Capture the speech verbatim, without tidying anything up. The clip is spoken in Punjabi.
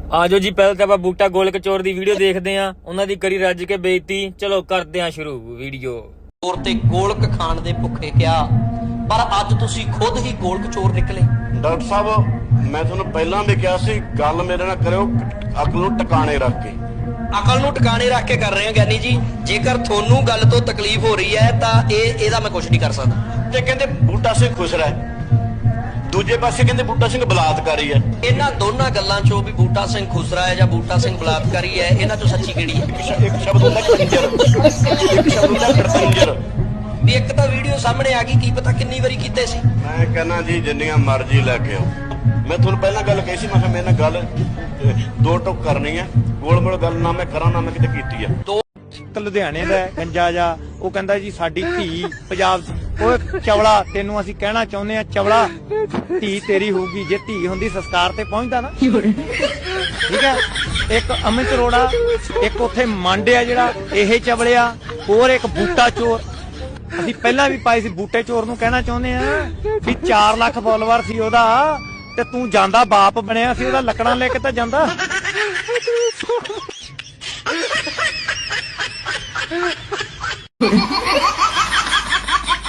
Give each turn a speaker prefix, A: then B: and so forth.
A: ਆਜੋ ਜੀ, ਪਹਿਲਾਂ ਤਾਂ ਆਪਾਂ ਬੂਟਾ ਗੋਲ ਕਚੋਰ ਦੀ ਵੀਡੀਓ ਦੇਖਦੇ ਆਂ। ਉਹਨਾਂ ਦੀ ਕਰੀ ਰੱਜ ਕੇ ਬੇਇੱਜ਼ਤੀ। ਚਲੋ ਕਰਦੇ ਆਂ ਸ਼ੁਰੂ ਵੀਡੀਓ।
B: ਚੋਰ ਤੇ ਗੋਲਕ ਖਾਣ ਦੇ ਭੁੱਖੇ ਕਿਹਾ, ਪਰ ਅੱਜ ਤੁਸੀਂ ਖੁਦ ਹੀ ਗੋਲ ਕਚੋਰ ਨਿਕਲੇ।
C: ਡਾਕਟਰ ਸਾਹਿਬ, ਮੈਂ ਤੁਹਾਨੂੰ ਪਹਿਲਾਂ ਵੀ ਕਿਹਾ ਸੀ, ਗੱਲ ਮੇਰੇ ਨਾਲ ਕਰਿਓ ਅਕਲ ਨੂੰ ਟਿਕਾਣੇ ਰੱਖ ਕੇ।
B: ਅਕਲ ਨੂੰ ਟਿਕਾਣੇ ਰੱਖ ਕੇ ਕਰ ਰਹੇ ਹੋ ਗਿਆਨੀ ਜੀ। ਜੇਕਰ ਤੁਹਾਨੂੰ ਗੱਲ ਤੋਂ ਤਕਲੀਫ ਹੋ ਰਹੀ ਹੈ ਤਾਂ ਇਹ ਇਹਦਾ ਮੈਂ ਕੁਝ ਨਹੀਂ ਕਰ ਸਕਦਾ।
C: ਤੇ ਕਹਿੰਦੇ ਬੂਟਾ ਸਿੰਘ ਖੁਸਰਾ ਹੈ, ਦੂਜੇ ਪਾਸੇ ਕਹਿੰਦੇ ਬੂਟਾ ਸਿੰਘ ਬਲਾਤਕਾਰੀ ਹੈ।
B: ਇਹਨਾਂ ਦੋਨਾਂ ਗੱਲਾਂ ਚੋਂ ਵੀ ਬੂਟਾ ਸਿੰਘ ਖੁਸਰਾ ਹੈ ਜਾਂ ਬੂਟਾ ਸਿੰਘ ਬਲਾਤਕਾਰੀ ਹੈ, ਇਹਨਾਂ ਚੋਂ ਸੱਚੀ ਕਿਹੜੀ ਹੈ?
C: ਇੱਕ ਸ਼ਬਦ ਹੁੰਦਾ ਕੰਜਰ, ਇੱਕ ਸ਼ਬਦ ਹੁੰਦਾ ਕੰਜਰ।
B: ਵੀ ਇੱਕ ਤਾਂ ਵੀਡੀਓ ਸਾਹਮਣੇ ਆ ਗਈ, ਕੀ ਪਤਾ ਕਿੰਨੀ ਵਾਰੀ ਕੀਤੇ ਸੀ।
C: ਮੈਂ ਕਹਿੰਦਾ ਜੀ ਜਿੰਨੀਆਂ ਮਰਜ਼ੀ ਲੈ ਕੇ ਆਓ। ਮੈਂ ਤੁਹਾਨੂੰ ਪਹਿਲਾਂ ਗੱਲ ਕਹੀ ਸੀ, ਮੈਂ ਕਿਹਾ ਮੇਰੇ ਨਾਲ ਗੱਲ ਦੋ ਟੁਕ ਕਰਨੀ ਹੈ, ਗੋਲ ਮੋਲ ਗੱਲ ਨਾ ਮੈਂ ਕਰਾਂ ਨਾ ਮੈਂ ਕਿਤੇ ਕੀਤੀ ਆ।
B: ਦੋ
D: ਲੁਧਿਆਣੇ ਦਾ ਗੰਜਾ ਜਾ, ਉਹ ਕਹਿੰਦਾ ਜੀ ਸਾਡੀ ਧੀ ਪੰਜਾਬ ਉਹ ਚਵਲਾ, ਤੈਨੂੰ ਅਸੀਂ ਕਹਿਣਾ ਚਾਹੁੰਦੇ ਆ ਚਵਲਾ, ਧੀ ਤੇਰੀ ਹੋਊਗੀ ਜੇ ਧੀ ਹੁੰਦੀ ਸੰਸਕਾਰ ਤੇ ਪਹੁੰਚਦਾ ਨਾ। ਠੀਕ ਹੈ, ਇੱਕ ਅਮਿਤ ਅਰੋੜਾ, ਇੱਕ ਉੱਥੇ ਮਾਂਡਿਆ ਜਿਹੜਾ ਇਹ ਚਵਲਿਆ, ਹੋਰ ਇੱਕ ਬੂਟਾ ਚੋਰ। ਅਸੀਂ ਪਹਿਲਾਂ ਵੀ ਪਾਈ ਸੀ, ਬੂਟੇ ਚੋਰ ਨੂੰ ਕਹਿਣਾ ਚਾਹੁੰਦੇ ਆ ਵੀ ਚਾਰ ਲੱਖ ਫੋਲੋਵਰ ਸੀ ਉਹਦਾ, ਤੇ ਤੂੰ ਜਾਂਦਾ ਬਾਪ ਬਣਿਆ ਸੀ ਉਹਦਾ, ਲੱਕੜਾਂ ਲੈ ਕੇ ਤਾਂ ਜਾਂਦਾ।